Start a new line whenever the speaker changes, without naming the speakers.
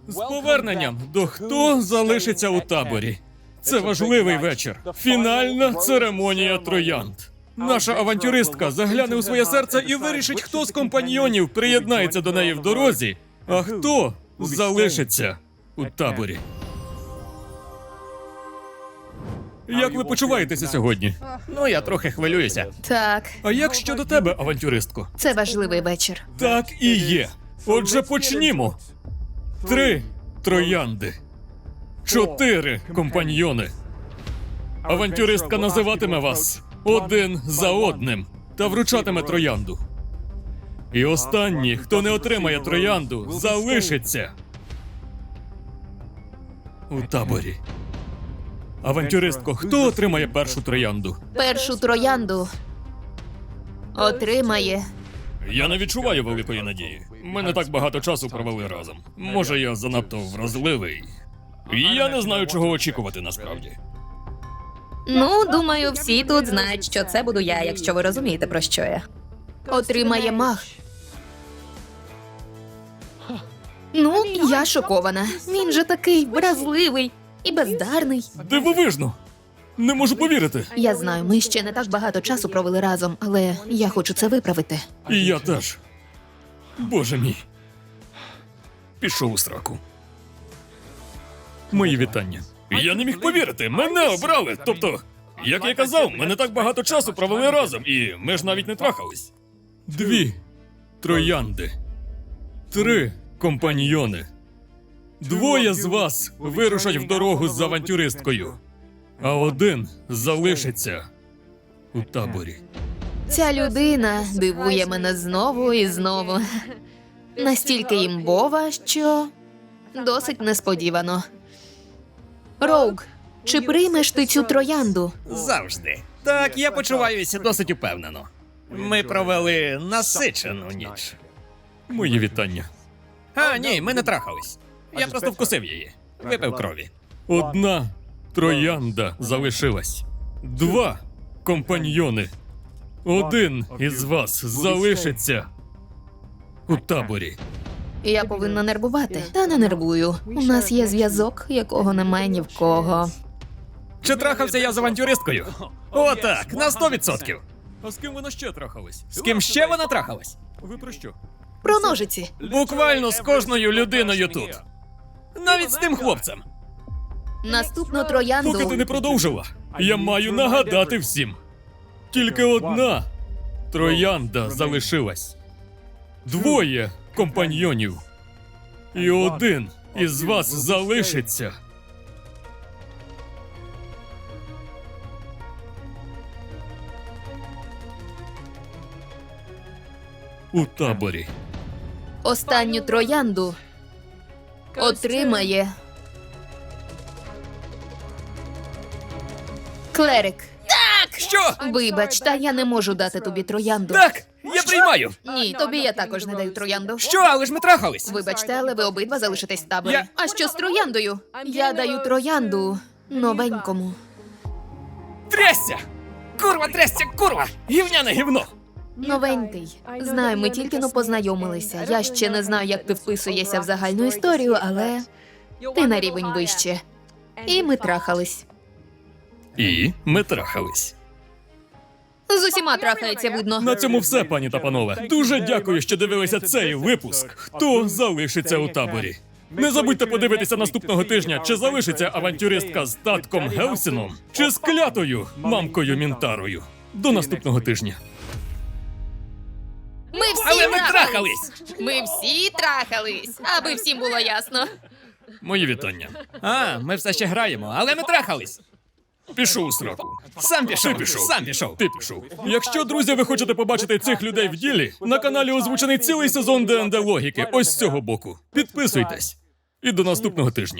З поверненням до «Хто залишиться у таборі». Це важливий вечір. Фінальна церемонія троянд. Наша авантюристка загляне у своє серце і вирішить, хто з компаньйонів приєднається до неї в дорозі, а хто залишиться у таборі. Як ви почуваєтеся сьогодні?
Ну, я трохи хвилююся.
Так,
А як щодо тебе, авантюристко?
це важливий вечір.
Так і є. Отже, почнімо. 3 троянди. 4 компаньйони. Авантюристка називатиме вас один за одним та вручатиме троянду. І останній, хто не отримає троянду, залишиться у таборі. Авантюристко, хто отримає першу троянду?
Першу троянду отримає.
Я не відчуваю великої надії. Ми не так багато часу провели разом. Може, я занадто вразливий. І я не знаю, чого очікувати насправді.
Ну, думаю, всі тут знають, що це буду я, якщо ви розумієте, про що я.
Отримає маг. Ну, я шокована. Він же такий вразливий і бездарний.
Дивовижно! Не можу повірити.
Я знаю, ми ще не так багато часу провели разом, але я хочу це виправити.
І я теж. Боже мій. Пішов у сраку. Мої вітання. Я не міг повірити, мене обрали. Тобто, як я казав, ми не так багато часу провели разом, і ми ж навіть не трахались. 2 троянди. 3 компаньйони. 2 з вас вирушать в дорогу з авантюристкою, а 1 залишиться у таборі.
Ця людина дивує мене знову і знову. Настільки імбова, що досить несподівано. Роуг, чи приймеш ти цю троянду?
Завжди. Так, я почуваюся досить упевнено. Ми провели насичену ніч.
Мої вітання.
А, ні, ми не трахались. Я просто вкусив її. Випив крові.
1 троянда залишилась. 2 компаньйони. 1 із вас залишиться у таборі.
Я повинна нервувати. Та не нервую. У нас є зв'язок, якого немає ні в кого.
Чи трахався я з авантюристкою? О, так, на 100%.
А з ким вона ще трахалась?
З ким ще вона трахалась?
Ви про що?
Про ножиці.
Буквально з кожною людиною тут. Навіть з тим хлопцем.
Наступну троянду.
Поки ти не продовжила, я маю нагадати всім. Тільки 1 троянда залишилась. 2 компаньйонів. І 1 із вас залишиться у таборі.
Останню троянду отримає клерик.
Що?
Вибач, та я не можу дати тобі троянду.
Так, я приймаю.
Ні, тобі я також не даю троянду.
Що, але ж ми трахались?
Вибачте, але ви обидва залишитесь в таборі.
Я-
А що з трояндою? Я даю троянду новенькому.
Трясся! Курва, трясся, курва! Гівняне гівно!
Новенький. Знаю, ми тільки но познайомилися. Я ще не знаю, як ти вписуєшся в загальну історію, але ти на рівень вище. І ми трахались.
І ми трахались.
З усіма трахається, видно.
На цьому все, пані та панове. Дуже дякую, що дивилися цей випуск. Хто залишиться у таборі? Не забудьте подивитися наступного тижня, чи залишиться авантюристка з татком Гелсіном, чи з клятою мамкою Мінтарою. До наступного тижня.
Ми всі
Але ми трахались!
Ми всі трахались, аби всім було ясно.
Мої вітання.
А, ми все ще граємо, але ми трахались.
Пішов у сраку.
Сам пішов,
Ти пішов.
сам пішов.
Ти пішов. Якщо, друзі, ви хочете побачити цих людей в ділі, на каналі озвучений цілий сезон ДНД Логіки ось з цього боку. Підписуйтесь. І до наступного тижня.